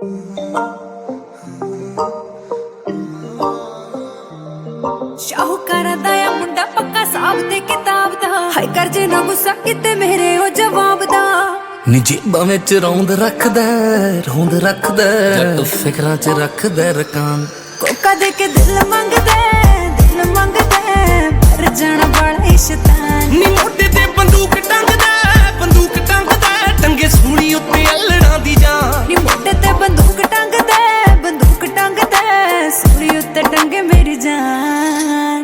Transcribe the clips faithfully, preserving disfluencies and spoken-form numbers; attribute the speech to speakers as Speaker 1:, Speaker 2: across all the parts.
Speaker 1: शाहूकारा दा या मुंडा पक्का साहब ते किताब दा हाय कर जे ना गुस्सा किते मेरे ओ जवाब दा
Speaker 2: नी जेबां विच रौंद रखदा रौंद रखदा जट फिकरां च रखदा रकान
Speaker 1: कोका दे के दिल मंगदा दिल मंगदा पर जाना बड़ा शैतान
Speaker 2: नी मोढे ते बंदूक टंगदा बंदूक टंगदा टंगे सूली उत्ते अल्लड़ां दी जान
Speaker 1: नी मोढे ते बंदूक टंगदा बंदूक टंगदा सूली उत्ते टंगे मेरी जान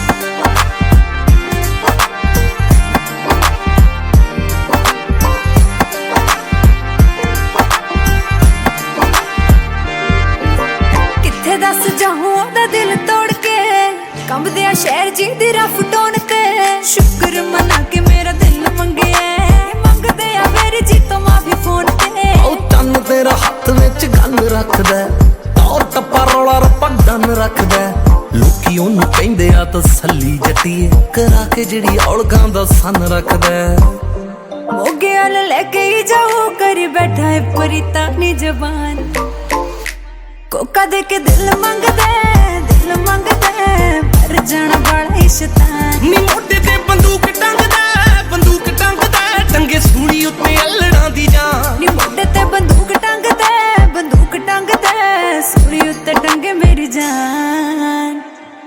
Speaker 1: दस जाऊं ओदा दिल तोड़ के कंबदे आ शहर जी दी रफ टोन ते शुक्र मना के मेरा दिल मंगे मंगदे आ मेरी जी तो माफी फोन ते
Speaker 2: ओ तन तेरा हत्थ विच गन रखदा और टप्पा रौला रप्पा डन रखदा लोकी ओनू कहंदे आ तसल्ली जट्टीए करा के जेड़ी औलगां दा सन रखदा
Speaker 1: मोगे वाल लेके ही जाओ करी बैठा है परिता नी जबान कोका दे के दिल मंगदा दिल मंगदा पर जाना बड़ा शैतान
Speaker 2: नी मोढे ते बंदूक टंगदा बंदूक टंगदा टंगे सूली उत्ते अल्लड़ां दी जान
Speaker 1: नी मोढे ते बंदूक टंगदा बंदूक टंगदा सूली उत्ते टंगे मेरी जान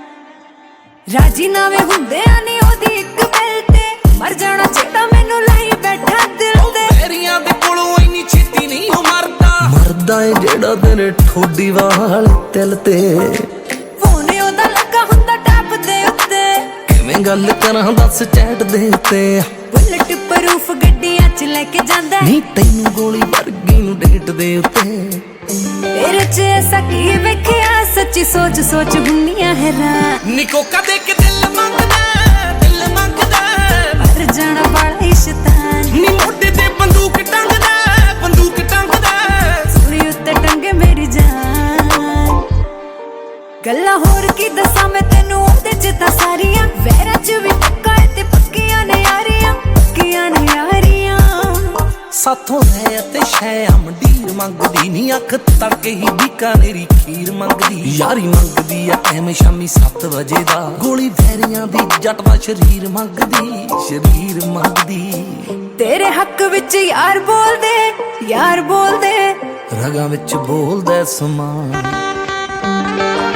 Speaker 1: राजी नावे हुंदे आ नी ओदी इक गल ते मर जाना जेड़ा मैनू लाई बैठा दिल ते
Speaker 2: तेरियां दे कोलों इन्नी छेती नहीं हो मरदा मरदा ए जेड़ा तेरे ठोडी वाल तिल ते
Speaker 1: फोन ओदा लगा हुंदा टैप दे उत्ते
Speaker 2: किवें गल करां दस चैट दे उत्ते
Speaker 1: बुलेट प्रूफ गड्डियां च लेके जांदा
Speaker 2: नी तैनू गोली वर्गी नू डेट दे उत्ते
Speaker 1: तेरे च ऐसा की वेखिया सच्ची सोच सोच हुन्नियां हैरान
Speaker 2: नी कोका दे के दिल मंगदा दिल मंगदा
Speaker 1: पर जाना बड़ा शैतान
Speaker 2: नी मोढे ते बंदूक टंगदा बंदूक टंगदा
Speaker 1: सूली उत्ते टंगे मेरी जान गल्लां होर की दसां मैं तैनू ओदे च तां सारियां वैरां च भी पक्का है ते पक्कियां ने यारियां पक्कियां ने यारियां
Speaker 2: साथों है ते शै मंडीर मंगदी नी अख तड़के ही बीकानेरी खीर मंगदी यारी मंगदी आ एम शामी सत्त बजे दा गोली वैरियां दी जट दा शरीर मंगदी शरीर मंगदी
Speaker 1: तेरे हक विच यार बोल दे यार बोल दे
Speaker 2: रगां विच बोलदा समान